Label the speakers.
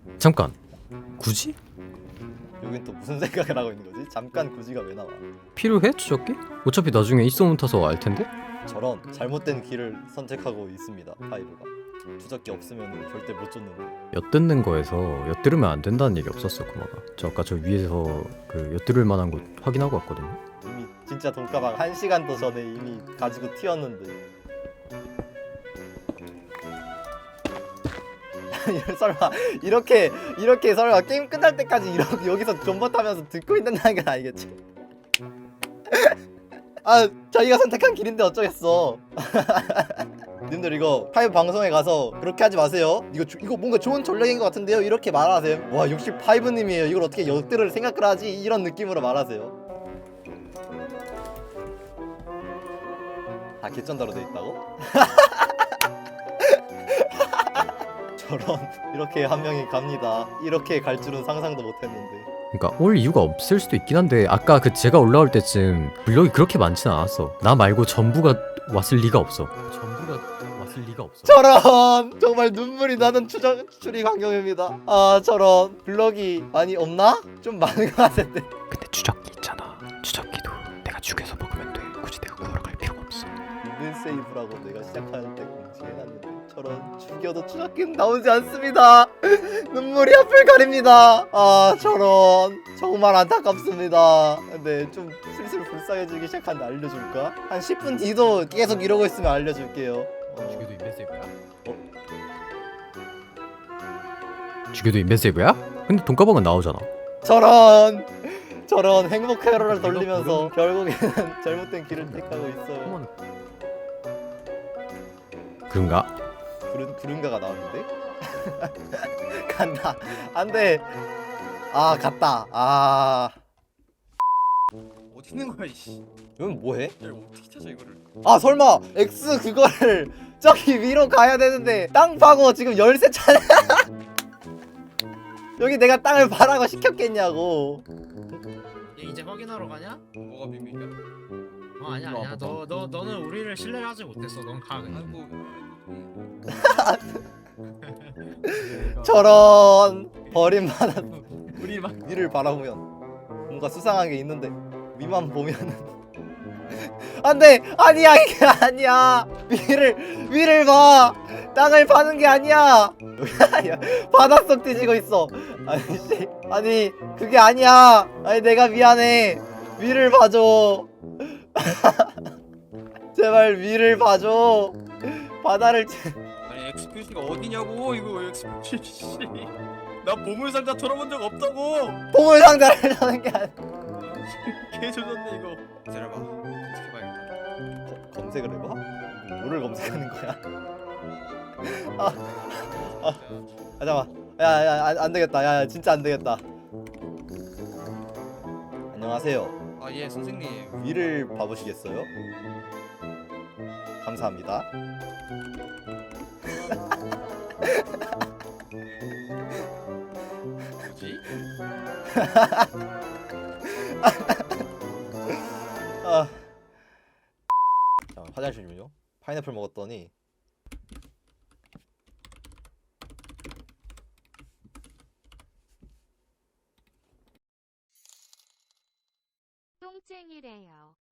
Speaker 1: 잠깐. 굳이?
Speaker 2: 여긴 또 무슨 생각을 하고 있는 거지? 잠깐 굳이가 왜 나와?
Speaker 1: 필요해 추적기? 어차피 나중에 있어문 타서 알 텐데.
Speaker 2: 저런 잘못된 길을 선택하고 있습니다. 파이브가 추적기 없으면 절대 못 쫓는 거.
Speaker 1: 엿듣는 거에서 엿들으면 안 된다는 얘기 없었어 구마가. 저 아까 저 위에서 그 엿들을 만한 곳 확인하고 왔거든요.
Speaker 2: 이미 진짜 돈가방 1시간도 전에 이미 가지고 튀었는데. 설마 이렇게 설마 게임 끝날 때까지 이렇게 여기서 존버 타면서 듣고 있는다는 건 아니겠지? 아 저희가 선택한 길인데 어쩌겠어. 님들 이거 파이브 방송에 가서 그렇게 하지 마세요. 이거 뭔가 좋은 전략인 것 같은데요? 이렇게 말하세요. 와 역시 파이브님이에요. 이걸 어떻게 역들을 생각을 하지? 이런 느낌으로 말하세요. 아 개쩐다로 돼 있다고? 저런 이렇게 한 명이 갑니다. 이렇게 갈 줄은 상상도 못했는데.
Speaker 1: 그러니까 올 이유가 없을 수도 있긴 한데 아까 그 제가 올라올 때쯤 블럭이 그렇게 많진 않았어. 나 말고 전부가 왔을 리가 없어. 전부가 왔을 리가 없어.
Speaker 2: 저런 정말 눈물이 나는 추리 광경입니다. 아 저런 블럭이 많이 없나? 좀 많은 것 같은데.
Speaker 1: 근데 추적기 있잖아. 추적기도 내가 죽여서 먹으면 돼. 굳이 내가 구하러 갈 필요가 없어.
Speaker 2: 윈 세이브라고 내가 시작할 때 공지해놨는데 저런 죽여도 추적기는 나오지 않습니다. 눈물이 앞을 가립니다. 아 저런 정말 안타깝습니다. 근데 좀 슬슬 불쌍해지기 시작한데 알려줄까? 한 10분 뒤도 계속 이러고 있으면 알려줄게요.
Speaker 1: 죽여도 인벤세이브야? 죽여도 인벤세이브야? 근데 돈가방은 나오잖아.
Speaker 2: 저런 행복 회로를 돌리면서 결국에는 잘못된 길을 택하고 있어요.
Speaker 1: 그런가?
Speaker 2: 구른가가 나왔는데? 간다. 안돼. 아 갔다. 아
Speaker 3: 어디 있는 거야 이씨.
Speaker 2: 이건 뭐해?
Speaker 3: 야 이거 어떻게 찾아 이거를?
Speaker 2: 아 설마 X 그거를 저기 위로 가야 되는데 땅 파고 지금 열쇠 찾아. 여기 내가 땅을 파라고 시켰겠냐고.
Speaker 4: 얘 이제 확인하러 가냐?
Speaker 3: 뭐가 비밀이야?
Speaker 4: 아니야
Speaker 1: 일로
Speaker 4: 아니야
Speaker 1: 와봐.
Speaker 4: 너는 우리를 신뢰를 하지 못했어. 넌 가 그냥.
Speaker 3: 아이고.
Speaker 2: 저런 버림받은
Speaker 3: 우리 막
Speaker 2: 위를 바라보면 뭔가 수상한 게 있는데 위만 보면은 안돼. 아니야 이게 아니야. 위를 봐. 땅을 파는 게 아니야. 바닷속 뒤지고 있어. 아니 씨. 아니 그게 아니야. 아니 내가 미안해. 위를 봐줘. 제발 위를 봐줘. 바다를
Speaker 3: 아니 엑스큐시가 어디냐고 이거 엑스큐시. 나 보물상자 털어본 적 없다고.
Speaker 2: 보물 상자를 하는 게 아니야.
Speaker 3: 개 조졌네 이거. 기다려봐. 검색해봐야겠다.
Speaker 2: 검색을 해봐? 뭐를 검색하는 거야? 잠깐만. 야, 안 되겠다. 야, 진짜 안 되겠다. 안녕하세요.
Speaker 3: 아 예 선생님.
Speaker 2: 위를 봐보시겠어요? 감사합니다.
Speaker 3: 뭐지?
Speaker 2: 아. 자, 화장실 좀요. 파인애플 먹었더니
Speaker 5: 똥쟁이래요.